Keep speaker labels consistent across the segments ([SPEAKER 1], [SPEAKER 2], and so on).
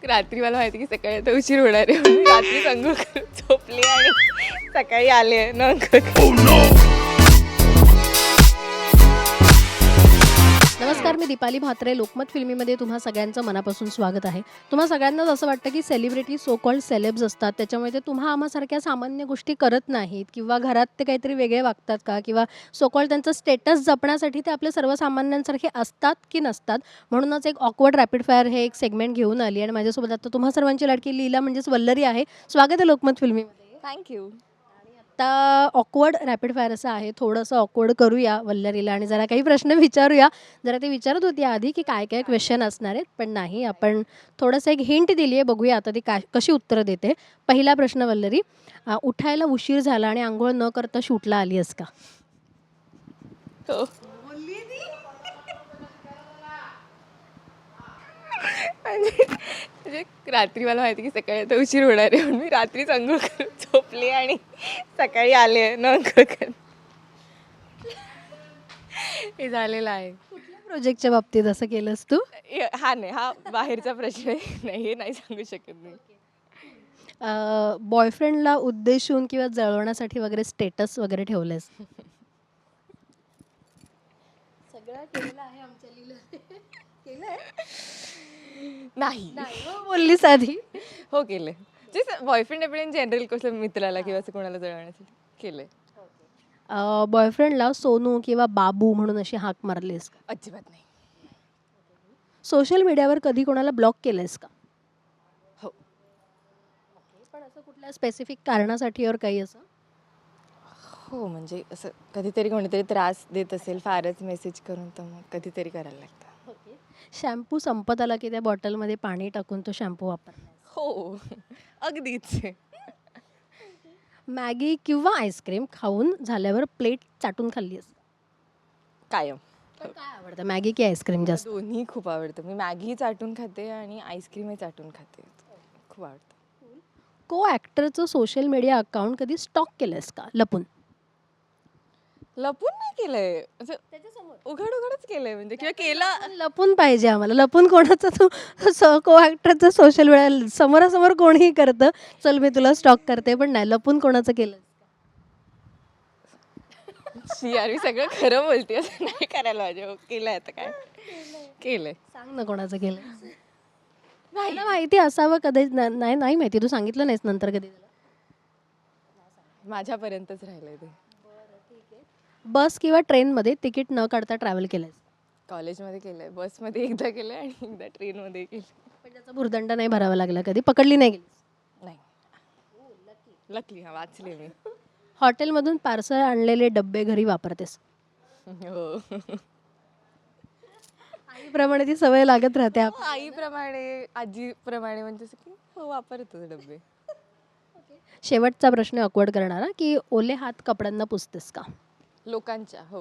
[SPEAKER 1] रात्री मला माहिती की सकाळी आता उशीर होणार आहे म्हणून रात्री अंघोळ करून झोपले आणि सकाळी आले न
[SPEAKER 2] नमस्कार, मी दीपाली म्हात्रे. लोकमत फिल्मीमध्ये तुम्हा सगळ्यांचं मनापासून स्वागत आहे. तुम्हा सगळ्यांनाच असं वाटतं की सेलिब्रिटी सो कॉल्ड सेलेब्स असतात, त्याच्यामुळे ते तुम्हा आम्हासारख्या सामान्य गोष्टी करत नाहीत किंवा घरात ते काहीतरी वेगळे वागतात का, किंवा सो कॉल्ड त्यांचं स्टेटस जपण्यासाठी ते आपले सर्वसामान्यांसारखे असतात की नसतात. म्हणूनच एक ऑकवर्ड रॅपिड फायर हे एक सेगमेंट घेऊन आली आणि माझ्यासोबत आता तुम्हा सर्वांची लाडकी लीला म्हणजेच वल्लरी आहे. स्वागत आहे लोकमत फिल्मीमध्ये.
[SPEAKER 1] थँक्यू.
[SPEAKER 2] आता ऑकवर्ड रॅपिड फायर असं आहे, थोडंसं ऑकवर्ड करूया वल्लरीला आणि जरा काही प्रश्न विचारूया. जरा ते विचारत होती आधी की काय काय क्वेश्चन असणार आहेत, पण नाही, आपण थोडंसं एक हिंट दिली आहे, बघूया आता ती कशी उत्तरं देते. पहिला प्रश्न वल्लरी, उठायला उशीर झाला आणि आंघोळ न करता शूटला आली आहेस का?
[SPEAKER 1] हो. म्हणजे रात्री मला माहिती की सकाळी आता उशीर होणार आहे म्हणून मी रात्रीच अंघोळ करून झोपले आणि सकाळी आले न हे झालेलं आहे.
[SPEAKER 2] कुठल्या प्रोजेक्टच्या बाबतीत असं केलंस तू?
[SPEAKER 1] हा नाही, हा बाहेरचा प्रश्न आहे. नाही, हे नाही सांगू शकत मी.
[SPEAKER 2] बॉयफ्रेंडला उद्देशून किंवा जळवण्यासाठी वगैरे स्टेटस वगैरे ठेवलेस? सगळं केलेलं आहे आमच्या लीला. केलंय?
[SPEAKER 1] नाही.
[SPEAKER 2] बोललीस आधी.
[SPEAKER 1] हो, केलंय. जे बॉयफ्रेंड आपण इन जनरल कसं मित्राला किंवा असं कोणाला जळवण्यासाठी केलंय.
[SPEAKER 2] बॉयफ्रेंडला सोनू किंवा बाबू म्हणून अशी हाक मारलीस का?
[SPEAKER 1] अजिबात नाही.
[SPEAKER 2] सोशल मीडियावर कधी कोणाला ब्लॉक केलंयस का?
[SPEAKER 1] हो.
[SPEAKER 2] पण असं कुठल्या स्पेसिफिक कारणासाठी और काही असं?
[SPEAKER 1] हो, म्हणजे असं कधीतरी कोणीतरी त्रास देत असेल फारच मेसेज करून, तर मग कधीतरी करायला लागतं.
[SPEAKER 2] शॅम्पू संपत आला की त्या बॉटलमध्ये पाणी टाकून तो शॅम्पू वापरला?
[SPEAKER 1] हो, अगदीच.
[SPEAKER 2] मॅगी किंवा आईस्क्रीम खाऊन झाल्यावर प्लेट चाटून खाल्ली असते?
[SPEAKER 1] कायम.
[SPEAKER 2] काय आवडतं, मॅगी की आईस्क्रीम जास्त?
[SPEAKER 1] दोन्ही खूप आवडतं. मी मॅगी चाटून खाते आणि आईस्क्रीमही चाटून खाते. खूप आवडतं.
[SPEAKER 2] को ॲक्टरचं सोशल मीडिया अकाउंट कधी स्टॉक केलंयस का लपून?
[SPEAKER 1] लपून नाही केलंय, असं उघड उघडच केलंय, म्हणजे किंवा केलं.
[SPEAKER 2] लपून पाहिजे आम्हाला. लपून कोणाचं तू को ॲक्टरचं सोशल मीडिया समोरासमोर कोणीही करतं, चल मी तुला स्टॉक करते, पण नाही, लपून कोणाचं केलं?
[SPEAKER 1] यार, मी सगळं खरं बोलते, असं नाही करायला पाहिजे. केलंय, आता काय केलंय.
[SPEAKER 2] सांग ना कोणाचं केलं. मला माहिती असावं कधी. नाही नाही माहिती, तू सांगितलं नाहीस नंतर कधी?
[SPEAKER 1] माझ्यापर्यंतच राहिलंय ते.
[SPEAKER 2] बस किंवा ट्रेनमध्ये तिकीट न काढता ट्रॅव्हल केलंयस?
[SPEAKER 1] कॉलेजमध्ये केलंय, बसमध्ये एकदा केलंय आणि एकदा ट्रेनमध्ये केलं.
[SPEAKER 2] पण त्याचा भुर्दंड नाही भरावा लागला कधी? पकडली नाही गेली?
[SPEAKER 1] नाही. लकली. हा, वाचले मी.
[SPEAKER 2] हॉटेलमधून पार्सल आणलेले डब्बे घरी वापरतेस?
[SPEAKER 1] हो.
[SPEAKER 2] आईप्रमाणे ती सवय लागत राहते.
[SPEAKER 1] आईप्रमाणे, आजीप्रमाणे, म्हणजे असं की हो, वापरतो डब्बे.
[SPEAKER 2] शेवटचा प्रश्न ऑकवर्ड करणारा, की ओले हात कपड्यांना पुसतेस का?
[SPEAKER 1] लोकांच्या. हो.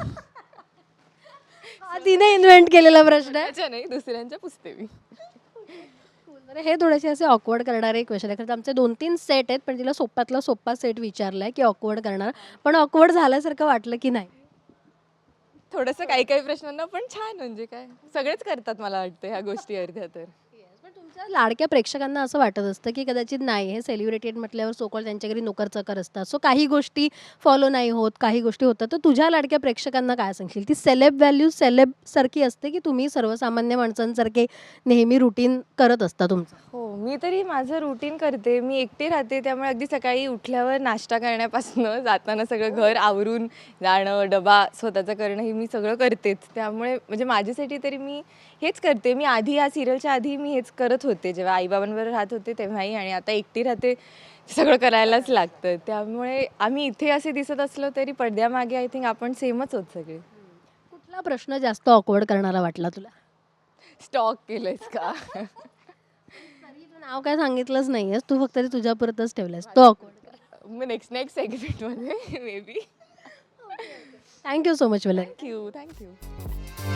[SPEAKER 2] हा तिने इन्व्हेंट केलेला प्रश्न आहे.
[SPEAKER 1] त्याच्या नाही, दुसऱ्यांच्या पुसते मी.
[SPEAKER 2] हे थोडेसे असे ऑकवर्ड करणारे क्वेश्चन आहे. खरं आमचे 2-3 सेट आहेत, पण तिला सोप्यातला सोपा सेट विचारलाय की ऑकवर्ड करणार, पण ऑकवर्ड झाल्यासारखं वाटलं की नाही?
[SPEAKER 1] थोडंसं काही काही प्रश्नांना पण छान, म्हणजे काय सगळेच करतात मला वाटतं ह्या गोष्टी अर्ध्या. तर
[SPEAKER 2] पण तुमच्या लाडक्या प्रेक्षकांना असं वाटत असतं की कदाचित नाही, हे सेलिब्रिटेड म्हटल्यावर सोकॉल त्यांच्या घरी नोकरचाकर असतात, सो काही गोष्टी फॉलो नाही होत, काही गोष्टी होतात. तर तुझ्या लाडक्या प्रेक्षकांना काय सांगशील? ती सेलेब व्हॅल्यू सेलेब सारखी असते की तुम्ही सर्वसामान्य माणसांसारखे नेहमी रुटीन करत असता तुमचं?
[SPEAKER 1] हो, मी तरी माझं रुटीन करते. मी एकटी राहते, त्यामुळे अगदी सकाळी उठल्यावर नाश्ता करण्यापासून जाताना सगळं घर आवरून जाणं, डबा स्वतःचं करणं, हे मी सगळं करतेच. त्यामुळे म्हणजे माझ्यासाठी तरी मी हेच करते. मी आधी या सिरियलच्या आधी मी हेच करत होते, जेव्हा आईबाबांबरोबर राहत होते तेव्हाही, आणि आता एकटी राहते, सगळं करायलाच लागतं. त्यामुळे आम्ही इथे असे दिसत असलो तरी पडद्यामागे आय थिंक आपण सेमच होत सगळे.
[SPEAKER 2] कुठला प्रश्न जास्त ऑकवर्ड करणारा वाटला तुला?
[SPEAKER 1] स्टॉक केलंयस का?
[SPEAKER 2] तू नाव काय सांगितलंच नाहीयेस, तू फक्त ते तुझ्यापुरतच ठेवलंयस. तो ऑकवर्ड.
[SPEAKER 1] मग नेक्स्ट सेगमेंटमध्ये maybe.
[SPEAKER 2] Thank you so much Vallari.
[SPEAKER 1] Thank you.